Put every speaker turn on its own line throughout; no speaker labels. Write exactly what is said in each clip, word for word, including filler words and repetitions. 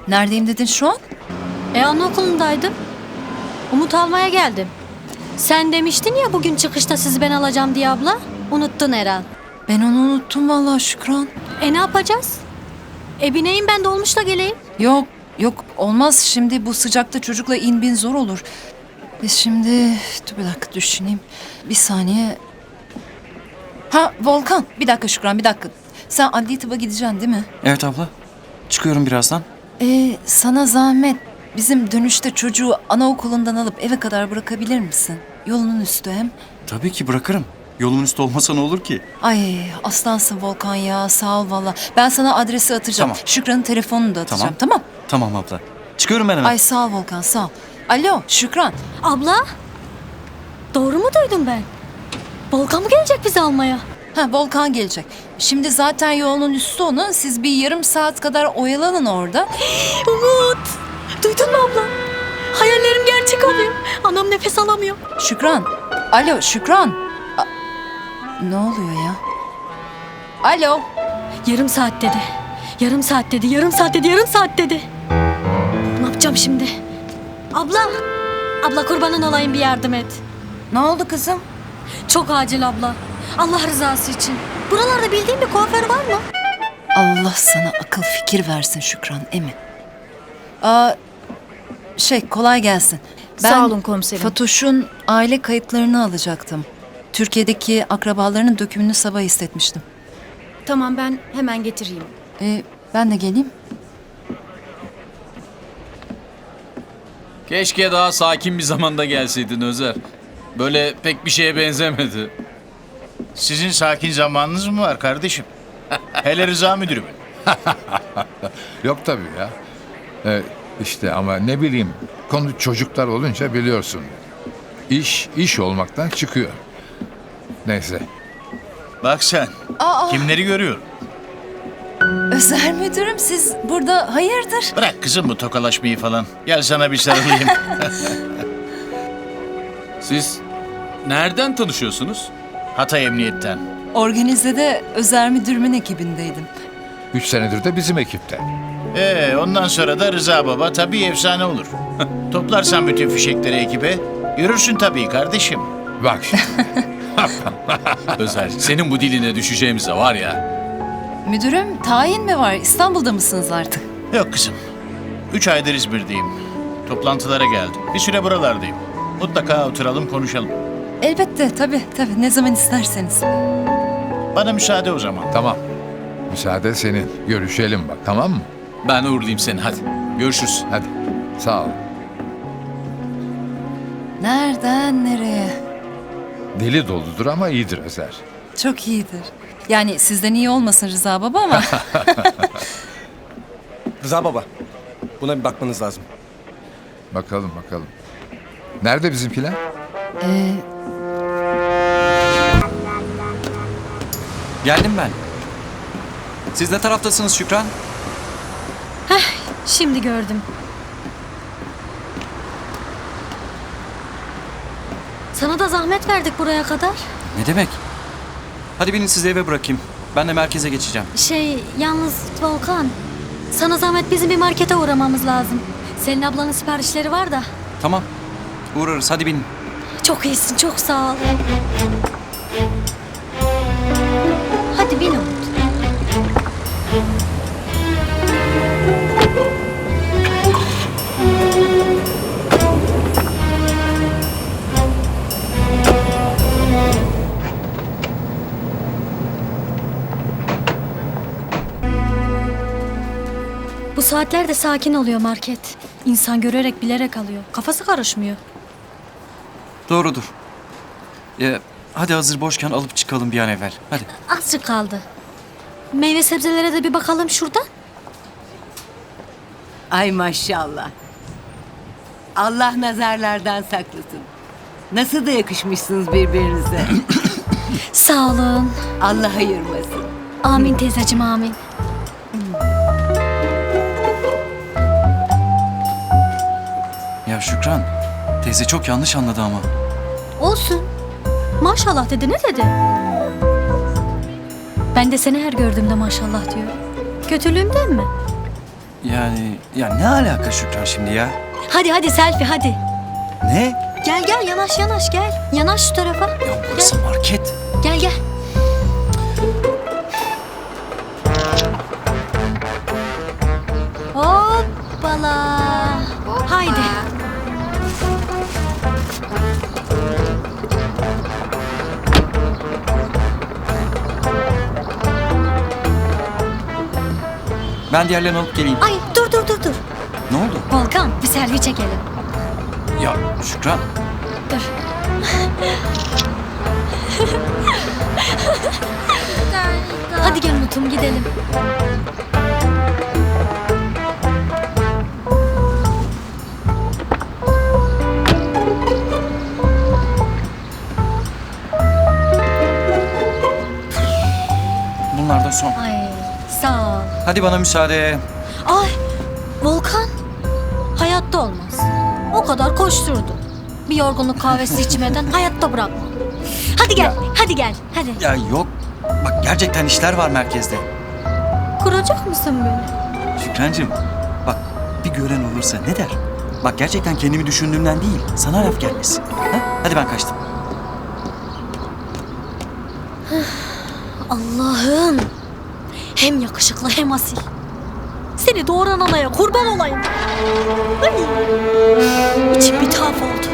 Neredeyim dedin şu an?
E anaokulundaydım. Umut almaya geldim. Sen demiştin ya bugün çıkışta sizi ben alacağım diye abla. Unuttun herhal.
Ben onu unuttum vallahi Şükran.
E ne yapacağız? E bineyim ben dolmuşla geleyim.
Yok yok olmaz şimdi bu sıcakta çocukla in bin zor olur. Biz şimdi dur bir dakika düşüneyim. Bir saniye. Ha Volkan bir dakika Şükran bir dakika. Sen adli tıba gideceksin değil mi?
Evet abla. Çıkıyorum birazdan.
Ee, sana zahmet bizim dönüşte çocuğu anaokulundan alıp eve kadar bırakabilir misin? Yolunun üstü hem.
Tabii ki bırakırım. Yolumun üstü olmasa ne olur ki?
Ay aslansın Volkan ya sağ ol valla. Ben sana adresi atacağım.
Tamam.
Şükran'ın telefonunu da atacağım tamam.
Tamam abla. Çıkıyorum ben hemen.
Ay sağ ol Volkan sağ ol. Alo Şükran.
Abla. Doğru mu duydum ben? Volkan mı gelecek bizi almaya?
Ha Volkan gelecek. Şimdi zaten yolunun üstü onun. Siz bir yarım saat kadar oyalanın orada.
Umut. Duydun mu abla? Hayallerim gerçek oluyor. Anam nefes alamıyor.
Şükran. Alo Şükran. A- ne oluyor ya? Alo.
Yarım saat dedi. Yarım saat dedi. Yarım saat dedi. Yarım saat dedi. Ne yapacağım şimdi? Abla. Abla kurbanın olayım bir yardım et.
Ne oldu kızım?
Çok acil abla. Allah rızası için. Buralarda bildiğin bir kuaför var mı?
Allah sana akıl fikir versin Şükran emin. Aa, şey kolay gelsin. Ben
Sağ olun komiserim.
Fatoş'un aile kayıtlarını alacaktım. Türkiye'deki akrabalarının dökümünü sabah istetmiştim.
Tamam ben hemen getireyim.
Ee, ben de geleyim.
Keşke daha sakin bir zamanda gelseydin Özer. Böyle pek bir şeye benzemedi.
Sizin sakin zamanınız mı var kardeşim? Hele Rıza müdürümün.
Yok tabii ya. Ee, işte ama ne bileyim konu çocuklar olunca biliyorsun. İş iş olmaktan çıkıyor. Neyse.
Bak sen,
Aa,
kimleri görüyorum.
Özer müdürüm siz burada hayırdır?
Bırak kızım bu tokalaşmayı falan. Gel sana bir sarılayım.
Siz nereden tanışıyorsunuz?
Hatay Emniyet'ten.
Organize'de Özer müdürümün ekibindeydim.
Üç senedir de bizim ekipte.
Ee, ondan sonra da Rıza Baba tabii efsane olur. Toplarsan bütün fişekleri ekibe, yürürsün tabii kardeşim.
Bak şimdi.
Özer, senin bu diline düşeceğimize var ya.
Müdürüm tayin mi var? İstanbul'da mısınız artık?
Yok kızım, üç aydır İzmir'deyim. Toplantılara geldim. Bir süre buralardayım. Mutlaka oturalım konuşalım.
Elbette tabii tabii ne zaman isterseniz.
Bana müsaade o zaman.
Tamam. Müsaade senin. Görüşelim bak tamam mı?
Ben uğurlayayım seni hadi. Görüşürüz.
Hadi. Sağ ol.
Nereden nereye?
Deli doludur ama iyidir Özer.
Çok iyidir. Yani sizden iyi olmasın Rıza baba ama.
Rıza baba, buna bir bakmanız lazım.
Bakalım bakalım. Nerede bizimkiler?
ee,
Geldim ben. Siz ne taraftasınız Şükran?
Şimdi gördüm. Sana da zahmet verdik buraya kadar.
Ne demek? Hadi binin sizi eve bırakayım. Ben de merkeze geçeceğim.
Şey yalnız Volkan. Sana zahmet bizim bir markete uğramamız lazım. Senin ablanın siparişleri var da.
Tamam. Uğrarız hadi binin.
Çok iyisin çok sağ ol. Hadi bin Umut. Bu saatlerde sakin oluyor market. İnsan görerek bilerek alıyor. Kafası karışmıyor.
Doğrudur. Ya, hadi hazır boşken alıp çıkalım bir an evvel. Hadi.
Azıcık kaldı. Meyve sebzelere de bir bakalım şuradan.
Ay maşallah. Allah nazarlardan saklasın. Nasıl da yakışmışsınız birbirinize.
Sağ olun.
Allah ayırmasın.
Amin teyzeciğim amin.
Ya Şükran, teyze çok yanlış anladı ama.
Olsun. Maşallah dedi ne dedi? Ben de seni her gördüğümde maşallah diyorum. Kötülüğümden mi?
Yani ya ne alaka Şükran şimdi ya?
Hadi hadi selfie hadi.
Ne?
Gel gel yanaş yanaş gel. Yanaş şu tarafa.
Ya burası market.
Gel gel. Hoppala. Haydi.
Ben diğerlerini alıp geleyim.
Ay dur dur dur dur.
Ne oldu?
Volkan bir selfie çekelim.
Ya Şükran.
Dur. Hadi gel Mutum gidelim.
Bunlar da son.
Ay sağ ol.
Hadi bana müsaade.
Ay Volkan. Hayatta olmaz. O kadar koşturdu. Bir yorgunluk kahvesi içmeden hayatta bırakma. Hadi gel, hadi gel, hadi.
Ya yok. Bak gerçekten işler var merkezde.
Kuracak mısın beni?
Şükrancığım bak bir gören olursa ne der? Bak gerçekten kendimi düşündüğümden değil. Sana laf gelmesin. Ha? Hadi ben kaçtım.
Allah'ım. Hem yakışıklı hem asil. Seni doğuran anaya kurban olayım. Ay. İçim bir tuhaf oldu.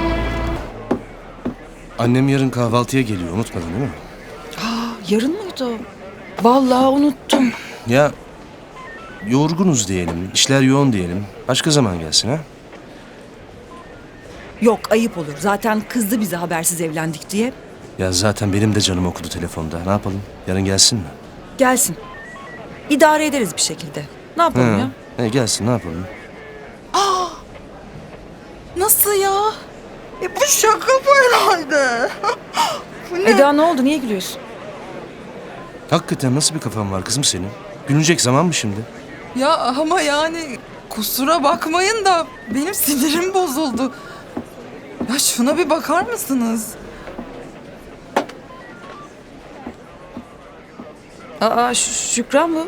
Annem yarın kahvaltıya geliyor, unutmadın değil mi?
Yarın mıydı? Vallahi unuttum.
Ya yorgunuz diyelim, işler yoğun diyelim. Başka zaman gelsin ha?
Yok ayıp olur. Zaten kızdı bize habersiz evlendik diye.
Ya zaten benim de canım okudu telefonda. Ne yapalım? Yarın gelsin mi?
Gelsin. İdare ederiz bir şekilde. Ne yapalım ya?
He, gelsin ne yapalım?
Nasıl ya? E bu şaka bu herhalde.
Eda ne oldu? Niye gülüyorsun?
Hakikaten nasıl bir kafan var kızım senin? Gülünecek zaman mı şimdi?
Ya ama yani kusura bakmayın da benim sinirim bozuldu. Ya şuna bir bakar mısınız?
Aa Ş- Şükran mı?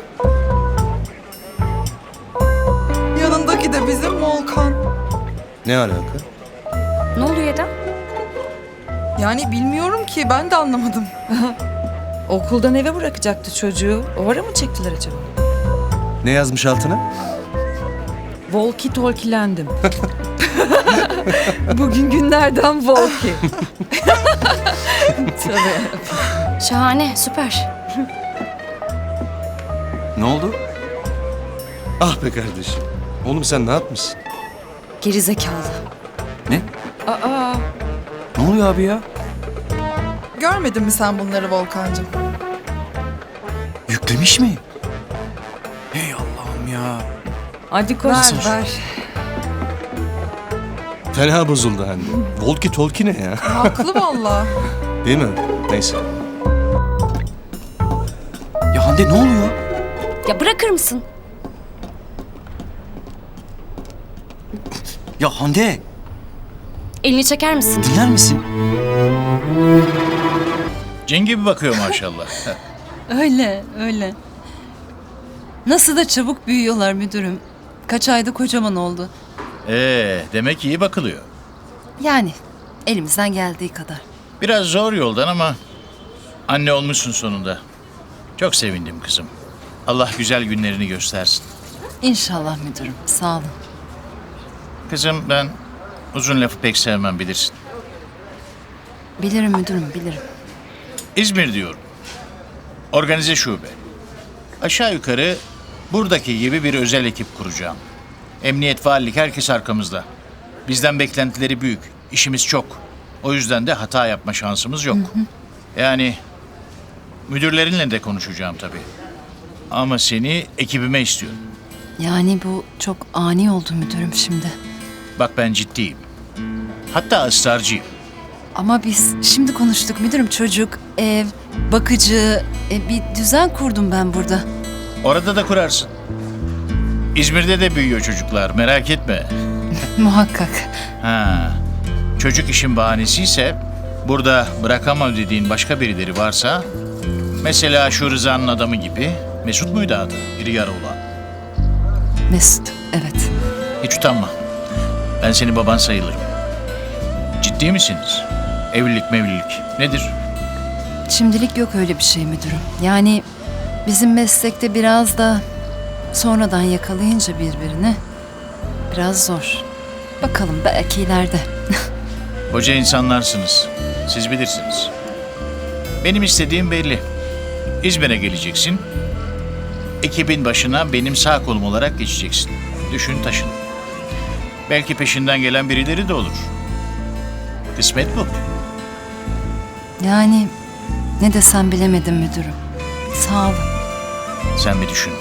Yanındaki de bizim Volkan.
Ne alaka?
Ne oluyor Eda?
Yani bilmiyorum ki ben de anlamadım.
Okuldan eve bırakacaktı çocuğu. O ara mı çektiler acaba?
Ne yazmış altına?
Volki tolkilendim. Bugün günlerden Volki. Tabii.
Şahane, süper.
Ne oldu?
Ah be kardeşim. Oğlum sen ne yapmışsın?
Geri zekalı.
Ne?
Aa,
Ne oluyor abi ya?
Görmedin mi sen bunları Volkancığım?
Yüklemiş mi? Hey Allah'ım ya.
hadi koş.
Ver ver.
Fena bozuldu Hande. Volki tolki ne ya?
Haklı vallahi.
Değil mi? Neyse.
Ya Hande ne oluyor?
Ya bırakır mısın?
Ya Hande
Elini çeker misin?
dinler misin?
Cin gibi bakıyor maşallah.
Öyle, öyle. Nasıl da çabuk büyüyorlar müdürüm. Kaç ayda kocaman oldu.
Ee, demek iyi bakılıyor.
Yani elimizden geldiği kadar.
Biraz zor yoldan ama anne olmuşsun sonunda. Çok sevindim kızım. Allah güzel günlerini göstersin.
İnşallah müdürüm. Sağ olun.
Kızım ben uzun lafı pek sevmem bilirsin.
Bilirim müdürüm, bilirim.
İzmir diyorum. Organize şube. Aşağı yukarı buradaki gibi bir özel ekip kuracağım. Emniyet, valilik herkes arkamızda. Bizden beklentileri büyük. İşimiz çok. O yüzden de hata yapma şansımız yok. Yani müdürlerinle de konuşacağım tabii. Ama seni ekibime istiyorum.
Yani bu çok ani oldu müdürüm şimdi.
Bak ben ciddiyim. Hatta ısrarcıyım.
Ama biz şimdi konuştuk müdürüm. Çocuk, ev, bakıcı, e, bir düzen kurdum ben burada.
Orada da kurarsın. İzmir'de de büyüyor çocuklar, merak etme.
Muhakkak.
Ha, çocuk işin bahanesiyse, burada bırakamam dediğin başka birileri varsa, mesela şu Rıza'nın adamı gibi, Mesut muydu adı, iri yarı olan?
Mesut, evet.
Hiç utanma. Ben senin baban sayılırım. Ciddi misiniz? Evlilik mevlilik. Nedir?
Şimdilik yok öyle bir şey müdürüm. Yani bizim meslekte biraz da sonradan yakalayınca birbirini biraz zor. Bakalım belki ileride.
Koca insanlarsınız. Siz bilirsiniz. Benim istediğim belli. İzmir'e geleceksin. Ekibin başına benim sağ kolum olarak geçeceksin. Düşün taşın. Belki peşinden gelen birileri de olur. Kısmet bu.
Yani ne desem bilemedim müdürüm. Sağ olun.
Sen bir düşün.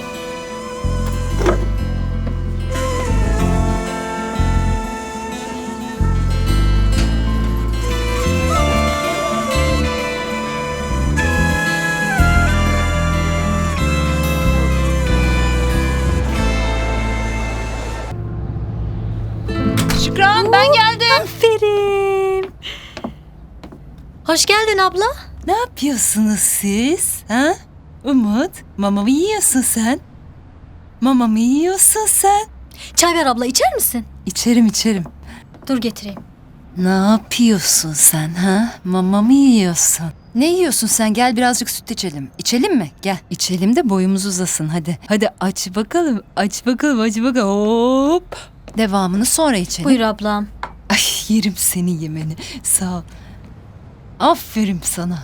Şükran ben geldim.
Aferin. Hoş geldin abla.
Ne yapıyorsunuz siz? Ha? Umut, mama mı yiyorsun sen? Mama mı yiyorsun sen?
Çay ver abla, içer misin?
İçerim içerim.
Dur getireyim.
Ne yapıyorsun sen ha? Mama mı yiyorsun? Ne yiyorsun sen? Gel birazcık süt içelim. İçelim mi? Gel. İçelim de boyumuz uzasın hadi. Hadi aç bakalım. Aç bakalım aç bakalım. Hop. Devamını sonra içelim.
Buyur ablam.
Ay yerim seni yemeni. Sağ ol. Aferin sana.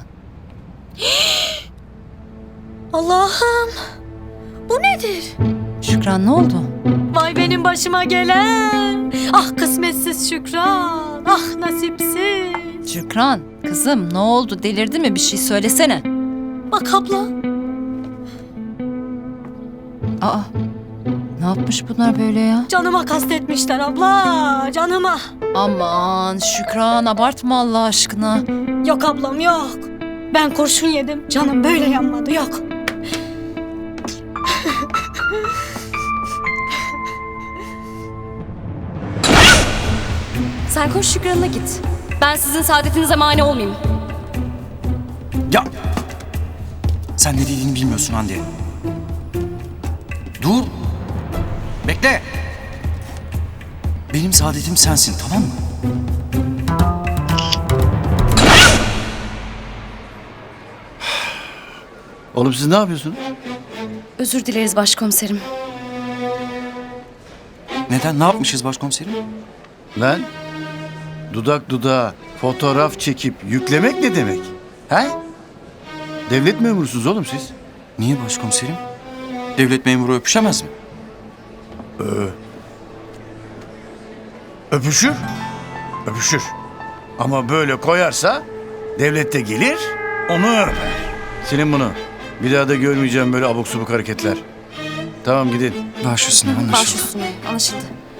Allah'ım. Bu nedir?
Şükran ne oldu?
Vay benim başıma gelen. Ah kısmetsiz Şükran. Ah nasipsiz.
Şükran kızım ne oldu? Delirdin mi? Bir şey söylesene.
Bak abla.
Aa. Ne yapmış bunlar böyle ya?
Canıma kastetmişler abla. Canıma.
Aman Şükran abartma Allah aşkına.
Yok ablam yok. Ben kurşun yedim. Canım böyle yanmadı yok.
Sen koş Şükran'ına git. Ben sizin saadetinize mani olmayayım.
Ya! Sen ne dediğini bilmiyorsun Hande. Dur! Bekle! Benim saadetim sensin, tamam mı?
Oğlum siz ne yapıyorsunuz?
Özür dileriz başkomiserim.
Neden? Ne yapmışız başkomiserim?
Lan dudak dudağa fotoğraf çekip yüklemek ne demek? He? Devlet memurusunuz oğlum siz.
Niye başkomiserim? Devlet memuru öpüşemez mi?
Öpüşür. Öpüşür. Ama böyle koyarsa devlet de gelir onu öper. Silin bunu. Bir daha da görmeyeceğim böyle abuk subuk hareketler. Tamam gidin.
Baş üstüne
Baş
anlaşıldı.
üstüne. Anlaşıldı.